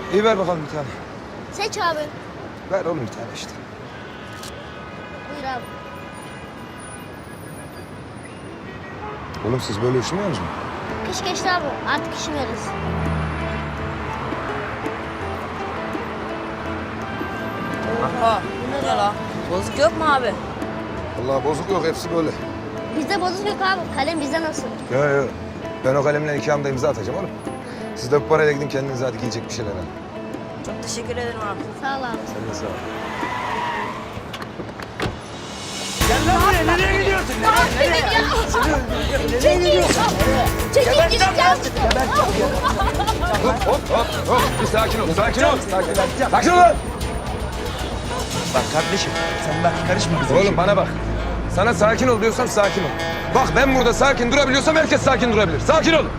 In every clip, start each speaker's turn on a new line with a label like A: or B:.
A: İyi ver bakalım bir tane.
B: Seç abi.
A: Ver oğlum bir tane işte.
B: Buyur abi.
A: Oğlum siz böyle üşümüyor musunuz?
B: Kış geçti abi. Artık üşümüyoruz.
C: Aha, bu ne la? Bozuk yok mu abi?
A: Vallahi bozuk yok, hepsi böyle.
B: Bizde bozuk yok abi. Kalem bizde nasıl?
A: Yok. Ben o kalemle iki anda imza atacağım oğlum. Siz de bu parayla gidin kendinize hadi giyecek bir şeyler alın.
C: Çok teşekkür ederim abi.
B: Sağ ol abi.
A: Sen de sağ ol.
D: Gel lan buraya, nereye gidiyorsun? Nereye gidiyorsun?
B: Çekil gideceğim.
A: Hop. Bir sakin ol. Sakin ol.
D: Bak kardeşim, sen bak karışma bize.
A: Oğlum bana bak. Sana sakin ol diyorsam sakin ol. Bak ben burada sakin durabiliyorsam herkes sakin durabilir. Sakin ol.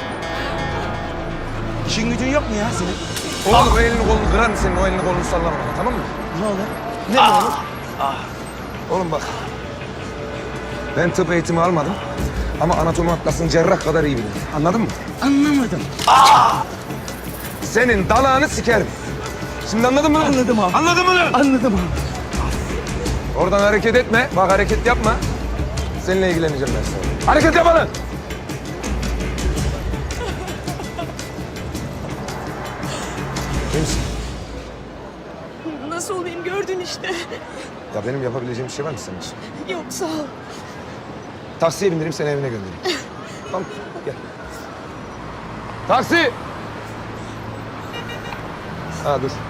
D: İşin gücün yok mu ya senin?
A: Oğlum o elini kolunu kırar mısın? O elini kolunu sallama bana, tamam mı?
D: Ne olur? Ne olur?
A: Oğlum bak. Ben tıp eğitimi almadım. Ama anatomi atlasını cerrah kadar iyi bilirim. Anladın mı?
D: Anlamadım.
A: Senin dalağını sikerim. Şimdi anladın mı?
D: Anladım abi.
A: Anladın mı?
D: Anladım abi.
A: Oradan hareket etme. Bak hareket yapma. Seninle ilgileneceğim ben sonra. Hareket yapma lan! Kimsin?
E: Nasıl olayım gördün işte.
A: Ya benim yapabileceğim bir şey var mı senin için?
E: Yok sağ ol.
A: Taksiye bindireyim seni evine göndereyim. Tamam gel. Taksi! Ha dur.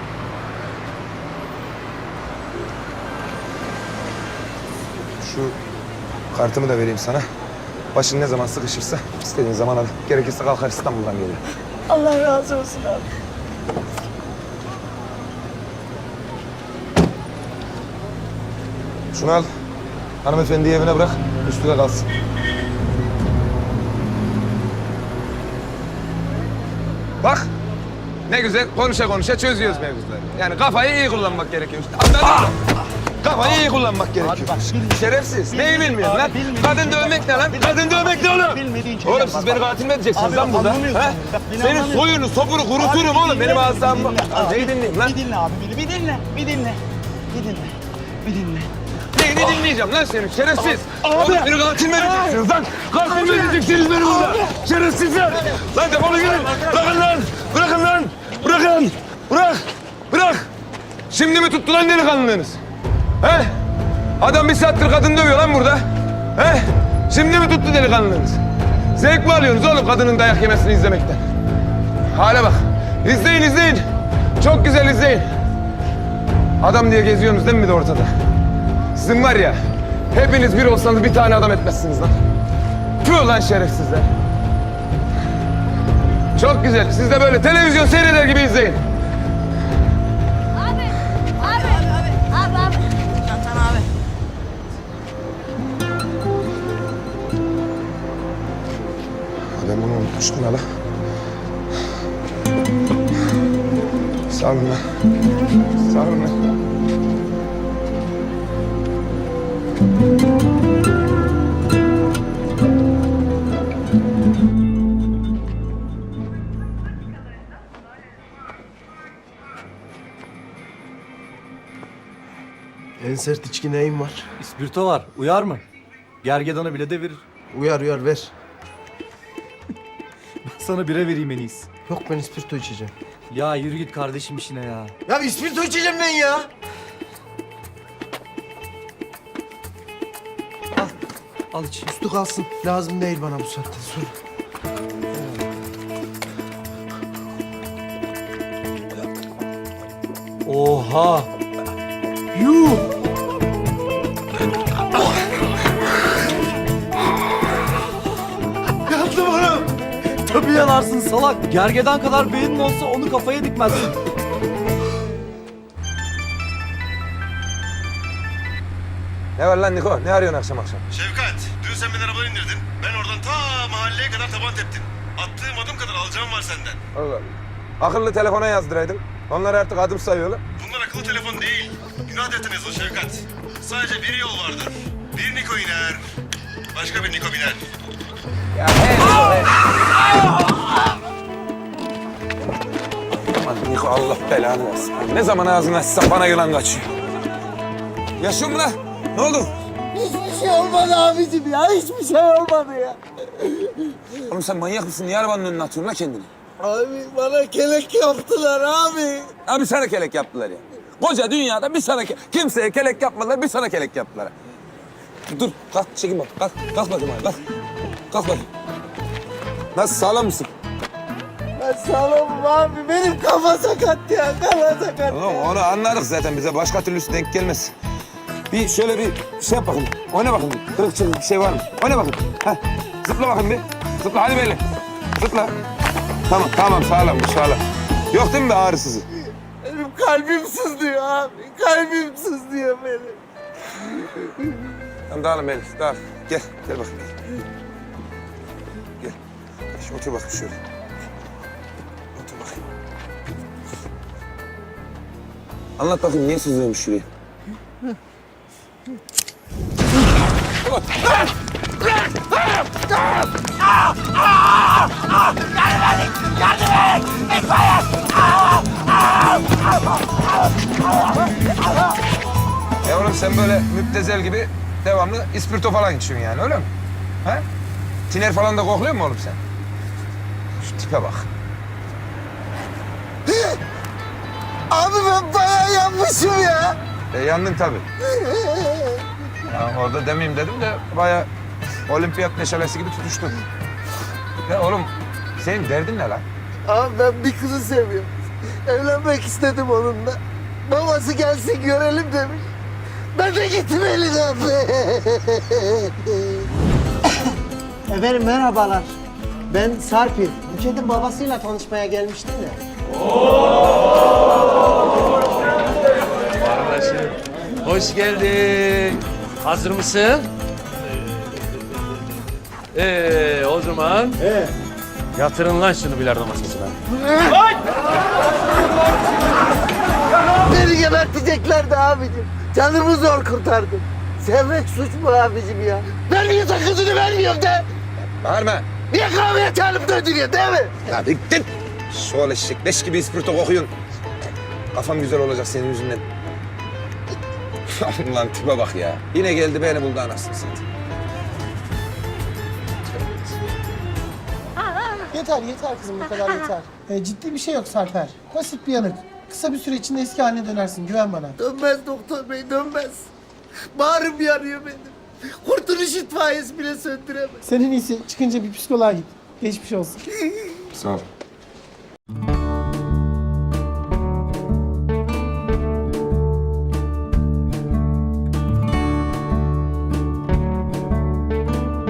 A: Şu kartımı da vereyim sana. Başın ne zaman sıkışırsa istediğin zaman al. Gerekirse kalkar İstanbul'dan gelir.
E: Allah razı olsun abi.
A: Şunu al. Hanımefendiyi evine bırak. Üstüne kalsın. Bak. Ne güzel konuşa konuşa çözüyoruz mevzuları. Yani kafayı iyi kullanmak gerekiyor. Anladın mı? Kafayı iyi kullanmak gerekiyor. Şerefsiz. Neyi bilmiyorsun lan?
D: bilmediğin
A: Kadın dövmek ne lan? Kadın dövmek ne oğlum?
D: Bilmediğin şeyler
A: Oğlum
D: bak,
A: siz beni
D: bak.
A: katil mi edeceksiniz
D: Abi
A: lan
D: bak,
A: burada?
D: anlamıyorsun.
A: He?
D: Bak, beni
A: Senin
D: anlamıyorsun.
A: soyunu, sopunu kuruturum
D: Abi,
A: oğlum.
D: bir
A: Benim
D: dinle,
A: ağzımdan bak.
D: bir dinle abi.
A: Neyi dinleyeyim lan?
D: Bir dinle abi beni, bir dinle. Bir dinle.
A: Neyini dinleyeceğim lan senin şerefsiz?
D: Abi.
A: Oğlum beni katil mi edeceksiniz lan? Katil mi edeceksiniz beni burada? Şerefsizler! Lan defolun gidin! Bırakın lan! Bırakın lan! Bırakın! Bırak! Şimdi mi tuttu lan delikanlılığınız? He? Adam bir saattir kadın dövüyor lan burada. He? Şimdi mi tuttu delikanlılığınız? Zevk mi alıyorsunuz oğlum kadının dayak yemesini izlemekten? Hale bak! İzleyin! Çok güzel izleyin. Adam diye geziyorsunuz değil mi bir de ortada? Sizin var ya, hepiniz bir olsanız bir tane adam etmezsiniz lan. Tüh lan şerefsizler. Çok güzel. Siz de böyle televizyon seyreder gibi izleyin.
B: Abi.
C: Çantan abi.
A: Ben bunu unutmuştum hala. Sağ olun lan.
F: En sert içki neyin var?
G: İspirto var. Uyar mı? Gergedanı bile devirir.
F: Uyar ver.
G: Sana bire vereyim en iyisi.
F: Yok ben ispirto içeceğim.
G: Ya yürü git kardeşim işine ya.
F: Ya ispirto içeceğim ben ya.
G: Al iç.
F: Üstü kalsın. Lazım değil bana bu saatten sonra.
G: Oha!
F: Yuh! Yandım oğlum.
G: Tabii yanarsın salak. Gergedan kadar beynin olsa onu kafaya dikmezsin.
A: Ne var lan Niko? Ne arıyorsun akşam?
H: Şevkat, dün sen beni arabadan indirdin. Ben oradan ta mahalleye kadar taban teptim. Attığım adım kadar alacağım var senden.
A: Allah Allah. Akıllı telefona yazdıraydın. Onlar artık adım sayıyorlar.
H: Bunlar akıllı telefon değil. Günah defterine yazılı Şevkat. Sadece bir yol vardır. Bir Niko iner. Başka bir Niko biner.
A: Ya hey. Aman Niko Allah belanı versin. Ne zaman ağzını açsam bana yılan kaçıyor. Yaşıyor mu lan? Ne oldu?
F: Hiçbir şey olmadı abicim ya. Hiçbir şey olmadı ya.
A: Oğlum sen manyak mısın? Niye arabanın önüne atıyorsun lan kendini?
F: Abi bana kelek yaptılar abi.
A: Abi sana kelek yaptılar ya. Koca dünyada bir sana kimseye kelek yapmadılar, bir sana kelek yaptılar. Dur, kalk, çekin bak. Kalk, kalk bakayım abi, kalk. Kalk bakayım. Nasıl, sağlam mısın?
F: Ben sağlamım abi. Benim kafa sakat ya. Kafa sakat.
A: Oğlum onu anladık zaten. Bize başka türlüsü denk gelmez. Bir şöyle bir şey yap bakayım. Oyna bakayım. Kırık çırık bir şey var mı? Oyna bakayım. Heh. Zıpla bakayım bir. Zıpla hadi böyle. Zıpla. Tamam tamam sağlammış sağlam. Yok değil mi bir ağrısızı?
F: Benim kalbim sızlıyor abi. Kalbim sızlıyor benim.
A: Tamam dağılın Melih dağıl. Gel gel bakayım. Gel. Şu otur bakayım şöyle. Otur bakayım. Anlat bakayım niye sızlıyormuş şuraya? Ya oğlum sen böyle müptezel gibi devamlı ispirto falan içiyorsun yani öyle mi? Ha? Tiner falan da kokluyor mu oğlum sen? Şu tipe bak.
F: Abi ben bayağı yanmışım ya.
A: Yandın tabii. Ya orada demeyeyim dedim de bayağı olimpiyat meşalesi gibi tutuştun. Ya oğlum senin derdin ne lan?
F: Abi ben bir kızı seviyorum. Evlenmek istedim onunla. Babası gelsin görelim demiş. Ben de gittim elin abi.
I: Efendim merhabalar. Ben Sarpil. Buket'in babasıyla tanışmaya gelmiştim de.
J: Kardeşim, hoş geldin. Hazır mısın? O zaman... Yatırın lan şunu bilardo masasına.
F: Beni geberteceklerdi abicim. Canımı zor kurtardım. Sevmek suç mu abicim ya? Ben niye sakızını vermiyorum de?
A: Bağırma.
F: Niye kahveye çağırıp döndürüyor değil mi?
A: Ya diktin. Şöyle eşek, leş gibi ispirto kokuyorsun. Kafam güzel olacak senin yüzünden. Lan tipe bak ya. Yine geldi beni buldu anasını satayım.
I: Yeter kızım bu kadar yeter. Ciddi bir şey yok Sarper. Basit bir yanık. Kısa bir süre içinde eski haline dönersin. Güven bana.
F: Dönmez doktor bey dönmez. Bağrım yanıyor benim. Kurtuluş itfaiyesi bile söndüremez.
I: Senin iyisi çıkınca bir psikoloğa git. Geçmiş olsun.
A: Sağ ol.